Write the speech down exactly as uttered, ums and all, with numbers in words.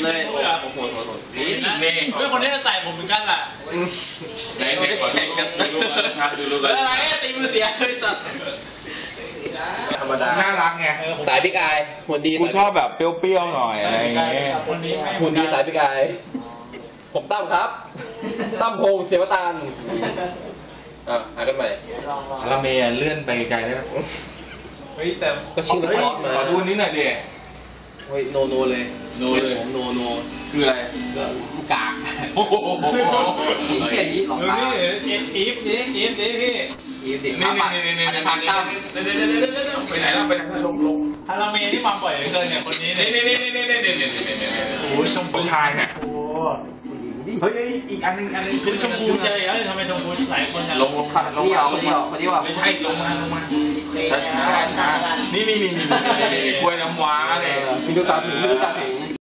เลยโอ้โหโหโหนี่นี่เพื่อนคนนี้จะใส่ผมเหมือนกันแหละไหนไหนแข่งกันดูชัดดูรู้กันอะไรตีมือเสียเลยสัตว์ธรรมดาน่ารักไงสายพี่กายหุ่นดีกูชอบแบบเปรี้ยวๆหน่อยอะไรอย่างเงี้ยหุ่นดีสายพี่กายผมตั้มครับตั้มพงศ์เสวตานอ่ะหากันใหม่คาราเมลเลื่อนไปไกลได้ไหมเฮ้ยแต่ก็ชื่อมันพอมาขอดูนิดหน่อยดิเฮ้ยโนโนเลยโนเลยผมโนโนคืออะไรก็กากโอ้โหเขียนนี้ของตาอีฟอีฟนี่อีฟนี่พี่อีฟดินี่นี่นี่นี่อาจจะพักตั้มไปไหนแล้วไปไหนลงลงฮาราเมที่มาบ่อยเหลือเกินเนี่ยคนนี้นี่นี่นี่นี่นี่นี่นี่นี่นี่นี่โอ้ยชมพูชายเนี่ยโอ้เฮ้ยอีกอันนึงอันนึงคือชมพูเจอเอ้ยทำไมชมพูหลายคนลงลงลงมาลงมาคนที่ว่าไม่ใช่ลงมาลงมาช้าช้านี่นี่นี่นี่นี่นี่กล้วยน้ำว้าเนี่ยมีดูตาถึงมีดูตาถึง